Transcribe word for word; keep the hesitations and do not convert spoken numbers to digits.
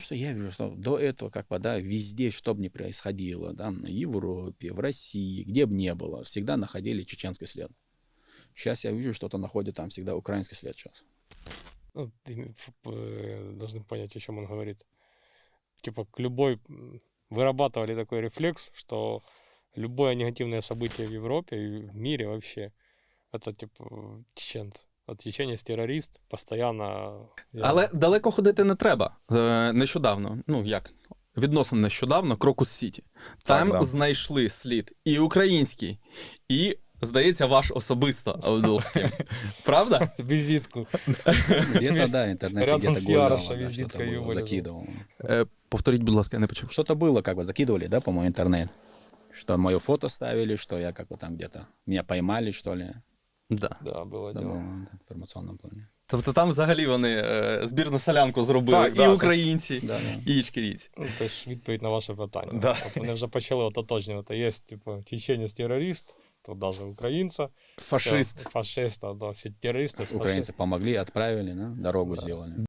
Что я вижу, что до этого, как бы, да, везде, что бы ни происходило, да, в Европе, в России, где бы ни было, всегда находили чеченский след. Сейчас я вижу, что-то находит там всегда украинский след сейчас. Ну, ты, ф- э, должны понять, о чем он говорит. Типа, к любой... м, Вырабатывали такой рефлекс, что любое негативное событие в Европе и в мире вообще, это, типа, чеченцы. Вот чеченец террорист, постоянно... я- Але далеко ходити не треба. Е, Нещодавно, ну як, відносно нещодавно, Крокус Сіті. Там Так, да. знайшли слід і український, і, здається, ваш особисто Абдул-Хакім. Правда? Визитку. Где-то, да, в интернете Рядом где-то с гуляла, Яроша да, визитка что-то её было, вылезла. закидывал. Е, Повторіть, будь ласка, я не почув. Что-то было, как бы закидывали, да, по-моему, интернет. Что мое фото ставили, что я как бы там где-то, меня поймали, что ли. Да. Да, было Да, дело. было в информационном плане. Тобто там взагалі вони е, збірну солянку зробили Так, і да, так. українці, Да, да. і ічкерійці. Ну, це ж відповідь на ваше питання. Да. От вони вже почали от ототожнювати. Є, типу, чеченець-терорист, то навіть українця. Фашист. Все, фашист, да, всі терористи. Украинцы помогли, отправили, да, дорогу Да. сделали.